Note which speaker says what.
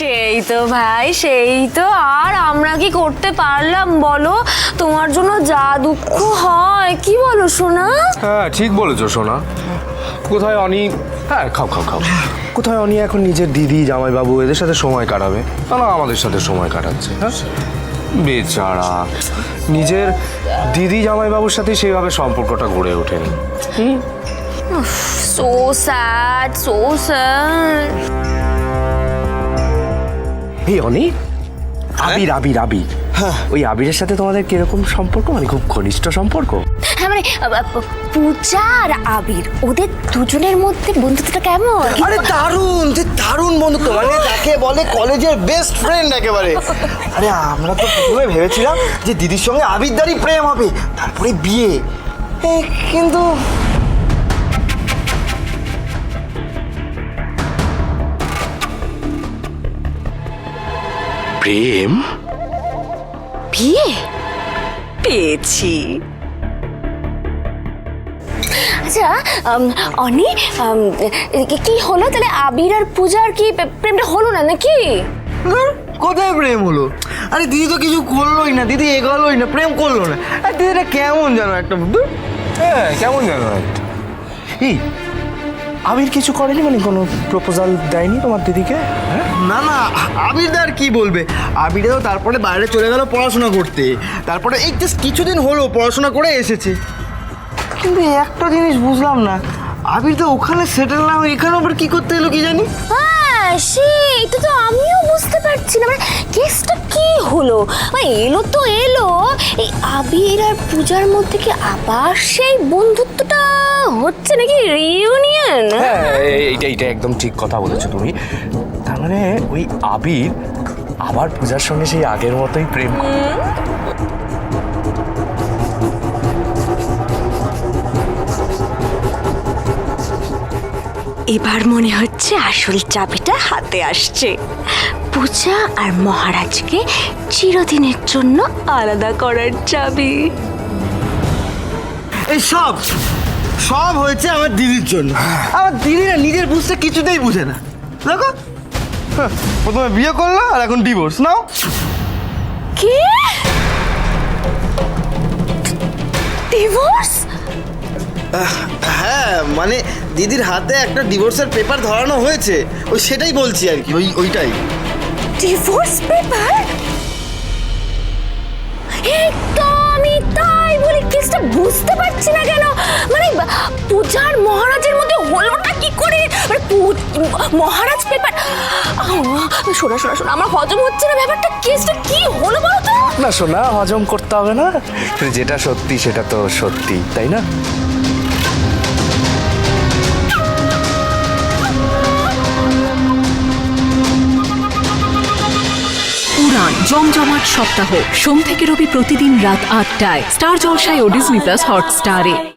Speaker 1: সেই তো ভাই, সেই তো। আর আমরা কি করতে পারলাম বলো? তোমার জন্য যা দুঃখ হয়, কি বলো সোনা?
Speaker 2: হ্যাঁ ঠিক বলেছো সোনা। কোথায় অনি, হ্যাঁ খাও খাও খাও, কোথায় অনি এখন নিজের দিদি জামাইবাবু এদের সাথে সময় কাটাবে, না আমাদের সাথে সময় কাটাচ্ছে। হ্যাঁ বেচারা, নিজের দিদি জামাইবাবুর সাথে সেইভাবে সম্পর্কটা গড়ে ওঠেনি।
Speaker 1: So sad, so sad.
Speaker 2: এই অনি, আবির আবির আবির, ওই আবিরের সাথে তোমাদের কিরকম সম্পর্ক? মানে খুব ঘনিষ্ঠ সম্পর্ক?
Speaker 1: হ্যাঁ মানে পূজা আর আবির, ওদের দুজনের মধ্যে বন্ধুত্বটা কেমন?
Speaker 3: আরে দারুণ, যে দারুণ বন্ধুত্ব, মানে যাকে বলে কলেজের বেস্ট ফ্রেন্ড একেবারে। আরে আমরা তো প্রথমে ভেবেছিলাম যে দিদির সঙ্গে আবিরদারই প্রেম হবে, তারপরে বিয়ে। কিন্তু
Speaker 2: প্রেম?
Speaker 1: বিয়ে পেয়েছি। আচ্ছা অনি, কি হলো তাহলে? আবির আর পূজার কি প্রেমটা হলো না নাকি?
Speaker 3: কোথায় প্রেম হলো? আরে দিদি তো কিছু করলোই না, দিদি এগোলোই না, প্রেম করলো না। আর দিদিটা কেমন জানো একটা,
Speaker 2: হ্যাঁ কেমন জানো একটা। এই আবির কিছু করেনি, মানে কোনো প্রপোজাল দেয়নি তোমার দিদিকে?
Speaker 3: না না, আবিরদার কি বলবে, আবির তো তারপরে বাইরে চলে গেল পড়াশোনা করতে, তারপরে এই জাস্ট কিছুদিন হলো পড়াশোনা করে এসেছে। কিন্তু একটা জিনিস বুঝলাম না, আবির তো ওখানে সেটেল না হয়ে এখানে আবার কি করতে এলো কি জানি।
Speaker 1: হ্যাঁ সেটা তো আমিও বুঝতে পারছি না, মানে কেসটা কি হলো? মানে এলো তো এলো, এই আবির আর পূজার মধ্যে কি আবার সেই বন্ধুত্বটা হচ্ছে নাকি, রিইউনিয়ন?
Speaker 2: হ্যাঁ এইটা একদম ঠিক কথা বলেছো তুমি। তার মানে ওই আবির আবার পূজার সঙ্গে সেই আগের মতোই প্রেম করে।
Speaker 1: এবার মনে হচ্ছে আসল চাবিটা হাতে আসছে। পূজা আর মহারাজকে চিরদিনের জন্য আলাদা করার চাবি।
Speaker 3: এই সব সব হয়েছে আমার দিদির জন্য। আমার দিদিরা নিজের বুঝতে কিছুতেই বুঝে না। দেখো, প্রথমে বিয়ে করলো আর এখন ডিভোর্স নাও।
Speaker 1: কি? ডিভোর্স?
Speaker 3: হ্যাঁ মানে দিদির হাতে একটা ডিভোর্সের পেপার ধরানো হয়েছে, ওই সেটাই বলছি আর কি, ওইটাই।
Speaker 1: Divorce paper? এই তো আমি তাই বলি কেসটা বুঝতে পারছি না কেন। মানে পূজার মহারাজের মধ্যে হলোটা কি করে? মানে মহারাজ পেপার, শোনা শোনা শোনা, আমার হজম হচ্ছে না ব্যাপারটা। কেসটা কি হলো বলো তো?
Speaker 2: না শোনা, হজম করতে হবে না, যেটা সত্যি সেটা তো সত্যি, তাই না?
Speaker 4: উড়ান জমজমাট সপ্তাহ, সোম থেকে রবি প্রতিদিন রাত ৮টায় স্টার জলসায় ও ডিজনি প্লাস হটস্টারে।